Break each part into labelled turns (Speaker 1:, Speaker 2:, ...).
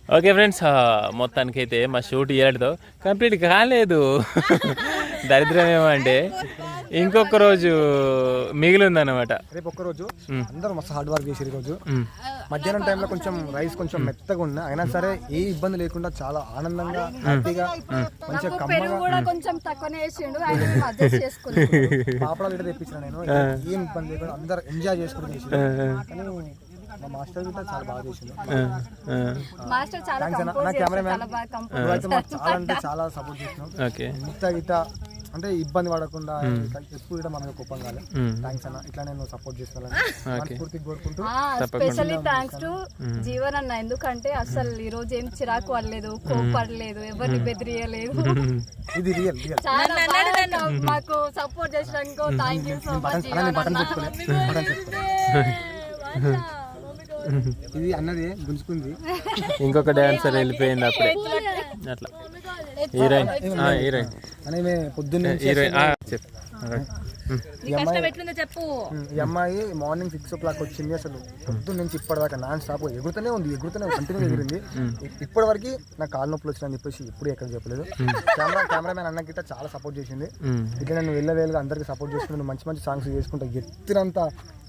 Speaker 1: Okay friends, మొత్తానికైతే మా shoot ఇయర్తో complete కాలేదు. దరిద్రం ఏమంటే ఇంకొక రోజు మిగిలి ఉందన్నమాట.
Speaker 2: రేపు ఒక్కరోజు అందరూ మస్తు హార్డ్ వర్క్ చేసి రోజు మధ్యాహ్నం టైంలో కొంచెం రైస్ కొంచెం మెత్తగా ఉన్నా అయినా సరే ఏ ఇబ్బంది లేకుండా చాలా ఆనందంగా హ్యాపీగా మంచిగా కమ్మగా
Speaker 3: కొంచెం తక్కువనే చేసిండు.
Speaker 2: పాపడాలు ఇట్లా తెప్పించిన నేను ఏం ఇబ్బంది లేకుండా అందరు ఎంజాయ్ చేసుకుంటూ చేసి మా మాస్టర్ కూడా చాలా బాగా చేసిండు. నా కెమెరామ్యాన్ చాలా అంటే చాలా సపోర్ట్ చేసినాం. ఇంత అంటే ఇబ్బంది పడకుండా ఎప్పుడు కూడా మనకు కోపం కాలే. థ్యాంక్స్ అన్న, ఇట్లా నేను సపోర్ట్ చేస్తాను పూర్తిగా కోరుకుంటూ.
Speaker 3: స్పెషల్లీ థ్యాంక్స్ టు జీవన్ అన్న, ఎందుకంటే అసలు ఈ రోజు ఏం చిరాకు పడలేదు, కోపడలేదు, ఎవరిని బెదిరియలేదు.
Speaker 2: ఇది రియల్
Speaker 3: మాకు సపోర్ట్ చేసినందుకు థ్యాంక్ యూ సో మచ్.
Speaker 2: ఇది అన్నది గుంజుకుంది.
Speaker 1: ఇంకొక డాన్సర్ వెళ్ళిపోయింది అప్పుడే. అట్లా హీరోయిన్
Speaker 2: అని పొద్దున్నే ఈ అమ్మాయి మార్నింగ్ 6 o'clock వచ్చింది. అసలు పొద్దున్న నుంచి ఇప్పటిదాకా నాన్ స్టాప్ ఎగురుతూనే ఉంది, కంటిన్యూ ఎగిరింది. ఇప్పటి వరకు నాకు కాలు నొప్పులు వచ్చినా అని చెప్పేసి ఎప్పుడు ఎక్కడ చెప్పలేదు. కెమెరామెన్ అన్న గిట్ట చాలా సపోర్ట్ చేసింది. ఇట్లా నేను వెళ్ళవేలుగా అందరికి సపోర్ట్ చేసుకుంటూ మంచి మంచి సాంగ్స్ చేసుకుంటా ఎత్తినంత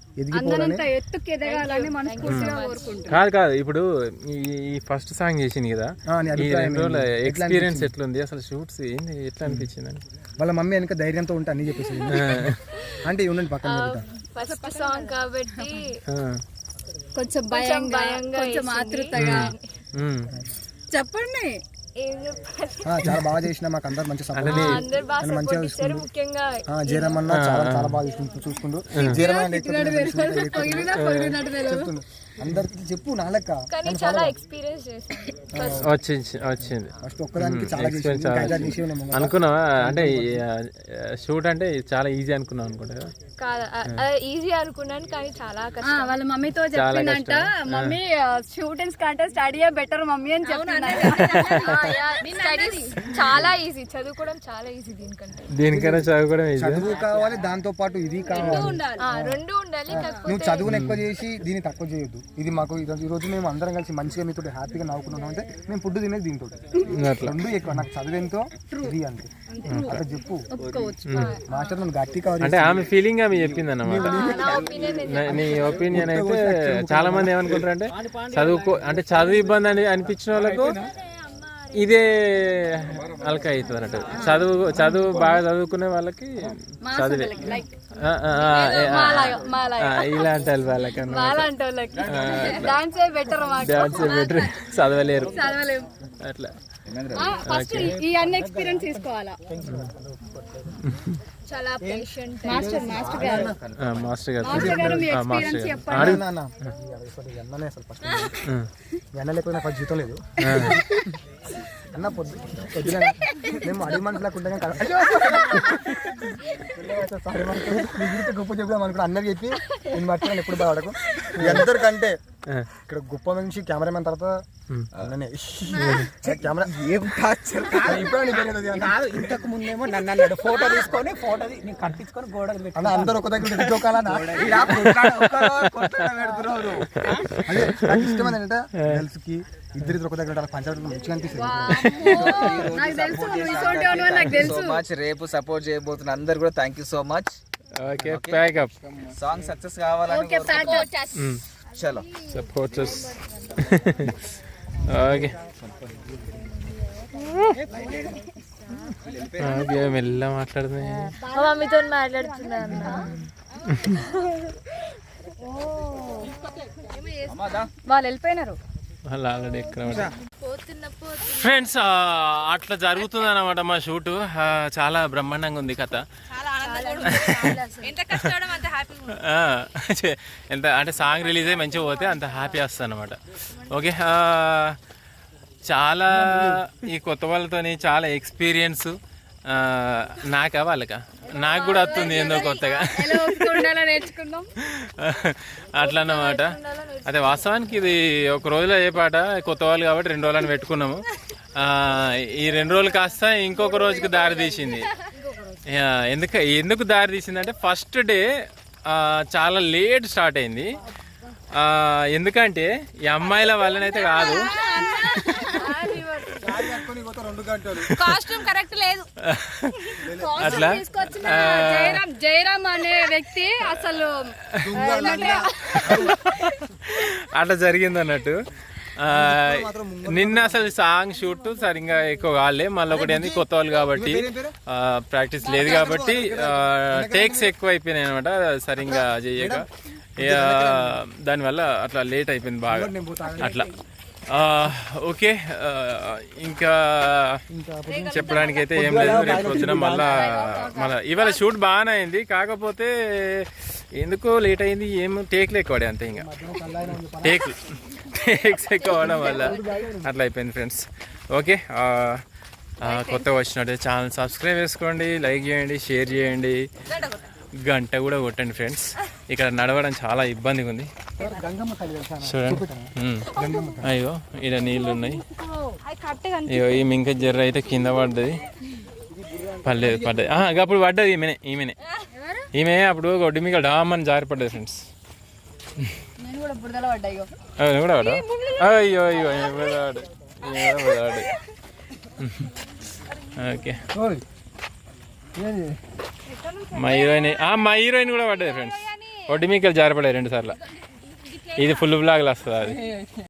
Speaker 1: కాదు. ఇప్పుడు ఈ ఫస్ట్ సాంగ్ చేసింది కదా, ఈ 2 రోజుల ఎక్స్పీరియన్స్ ఎట్లుంది అసలు? షూట్స్ ఏంది, ఎట్లా అనిపించింది?
Speaker 2: వాళ్ళ మమ్మీ వెనక ధైర్యంతో ఉంటే అన్ని చెప్పేసి అంటే ఉండండి పక్కన
Speaker 3: ఫస్ట్ సాంగ్ కాబట్టి కొంచెం భయంగా కొంచెం ఆతృతగా చెప్పండి.
Speaker 2: చాలా బాగా చేసిన మాకు అందరు మంచి సపోర్ట్ మంచిగా చూసుకుంటూ జయరామన్న చాలా బాగా చూసుకుంటూ జయరామన్న చెప్తుండ్రు అందరికి చెప్పు నా లెక్క
Speaker 1: వచ్చింది
Speaker 2: ఫస్ట్ ఒక్కదానికి చాలా
Speaker 1: అనుకున్నావా? అంటే షూట్ అంటే చాలా ఈజీ అనుకున్నావు అనుకుంటా.
Speaker 3: ఈజీ అనుకున్నాను కానీ చాలా కష్టం. వాళ్ళ మమ్మీతో చెప్పిందంట, మమ్మీ షూటింగ్స్ కంటే స్టడీ బెటర్ మమ్మీ అని చెప్తున్నా. చాలా ఈజీ, చదువుకోవడం చాలా ఈజీ.
Speaker 1: దీనికన్నా చదువుకోవడం
Speaker 2: చదువు కావాలి, దాంతో పాటు ఇది కావాలి,
Speaker 3: రెండు ఉండాలి.
Speaker 2: నువ్వు చదువును ఎక్కువ చేసి దీన్ని తక్కువ చేయొద్దు. ఇది మాకు ఈ రోజు మేము అందరం కలిసి మంచిగా మీతో హ్యాపీగా నవ్వుకున్నాం అంటే మేము ఫుడ్ తినేది దీంతో. రెండు ఎక్కువ నాకు చదివేంతో ఇది అంతే అట్లా చెప్పు. మాస్టర్ నన్ను గట్టి కావాలి
Speaker 1: అంటే ఆమె ఫీలింగ్ ఆమె చెప్పింది అన్నమాట. నీ ఒపీనియన్ అయితే చాలా మంది ఏమనుకుంటారు అంటే చదువు ఇబ్బంది అని అనిపించిన వాళ్ళకు ఇదే అలక అవుతుంది అన్నట్టు. చదువు బాగా చదువుకునే వాళ్ళకి చదివే ఇలాంటి వాళ్ళకన్నా డాన్సే బెటర్, చదవలేరు అట్లా.
Speaker 3: ఈ అన్ని ఎక్స్పీరియన్స్ తీసుకోవాలా. చాలా పేషెంట్ మాస్టర్ గారు
Speaker 2: ఎన్న లేకపోయినా ఫస్ట్ జీతం లేదు అన్న. పొద్దున మేము అడిగి మనుషులు లేకుండా గొప్ప చెప్దాం అనుకున్నా. అన్నది చెప్పి నేను మర్చిపోయాను ఎప్పుడు బాగా అందరికంటే ఇక్కడ గొప్ప నుంచి కెమెరామెన్ తర్వాత కెమెరా
Speaker 4: ఇంతకు ముందేమో నన్ను అన్నాడు ఫోటో తీసుకొని కట్టించుకొని గోడ
Speaker 2: అందరూ ఒక దగ్గర ఇష్టం ఏంటంటే గర్ల్స్ కి ఇద్దరు ఒక దగ్గర పంచాయతీ మంచిగా
Speaker 4: అనిపిస్తుంది. రేపు సపోర్ట్ చేయబోతున్న అందరు కూడా thank you so much.
Speaker 1: Okay, pack up.
Speaker 4: Song success కావాలని చలో
Speaker 1: సపోర్టర్స్. ఓకే మెల్ల మాట్లాడుతుంది.
Speaker 3: మమ్మీతో మాట్లాడుతున్నా. వాళ్ళు వెళ్ళిపోయినారు.
Speaker 1: ఆల్రెడీ ఎక్కడ ఫ్రెండ్స్ అట్లా జరుగుతుంది అన్నమాట మా షూటు. చాలా బ్రహ్మాండంగా ఉంది కథ. ఎంత అంటే సాంగ్ రిలీజ్ అయ్యి మంచిగా పోతే అంత హ్యాపీ వస్తుంది అనమాట. ఓకే, చాలా ఈ కొత్త వాళ్ళతోని చాలా ఎక్స్పీరియన్స్ నాకా వాళ్ళకా నాకు కూడా వస్తుంది ఏందో కొత్తగా అట్లా అన్నమాట. అదే వాస్తవానికి ఇది ఒక రోజులో ఏ పాట కొత్త వాళ్ళు కాబట్టి 2 రోజులని పెట్టుకున్నాము. ఈ 2 రోజులు కాస్త ఇంకొక రోజుకి దారి తీసింది. ఎందుకు దారి తీసింది అంటే ఫస్ట్ డే చాలా లేట్ స్టార్ట్ అయింది. ఎందుకంటే ఈ అమ్మాయిల వల్లనైతే కాదు,
Speaker 3: కాస్ట్యూమ్ కరెక్ట్ లేదు.
Speaker 1: అట్లా
Speaker 3: తీసుకొచ్చిన జయరామ్ అనే వ్యక్తి అసలు
Speaker 1: అట్లా జరిగింది అన్నట్టు. నిన్న అసలు సాంగ్ షూట్ సరిగ్గా ఎక్కువ కాలే, మళ్ళీ ఒకటి ఏంది కొత్త వాళ్ళు కాబట్టి ప్రాక్టీస్ లేదు కాబట్టి టేక్స్ ఎక్కువ అయిపోయినాయి అనమాట సరిగ్గా చేయక, దానివల్ల అట్లా లేట్ అయిపోయింది బాగా అట్లా. ఓకే, ఇంకా చెప్పడానికి అయితే ఏం లేదు. రేపు వచ్చిన మళ్ళా ఇవాళ షూట్ బాగానే అయింది, కాకపోతే ఎందుకో లేట్ అయింది. ఏం టేక్లు ఎక్కువ అంతే, ఇంకా టేక్స్ ఎక్కువ అవడం వల్ల అట్లా అయిపోయింది ఫ్రెండ్స్. ఓకే, కొత్తగా వచ్చినట్టు ఛానల్ సబ్స్క్రైబ్ చేసుకోండి, లైక్ చేయండి, షేర్ చేయండి, గంట కూడా కొట్టండి ఫ్రెండ్స్. ఇక్కడ నడవడం చాలా ఇబ్బందిగా ఉంది చూడండి. అయ్యో ఇక్కడ నీళ్ళు ఉన్నాయి. అయ్యో ఈ మింక జర్ర అయితే కింద పడ్డది, పడ్డది అప్పుడు పడ్డది. ఈమె అప్పుడు ఒడ్డు మీకు డామ్ అని జారిపడ్డది ఫ్రెండ్స్. కూడా పడ్డా? అయ్యో అయ్యో పడ్డాడు. ఓకే, మా హీరోయిన్ కూడా పడ్డది ఫ్రెండ్స్. ఒడ్డు మీకు జారిపడ్డాయి 2 సార్లు. ఇది ఫుల్ బ్లాగ్లు వస్తుంది అది.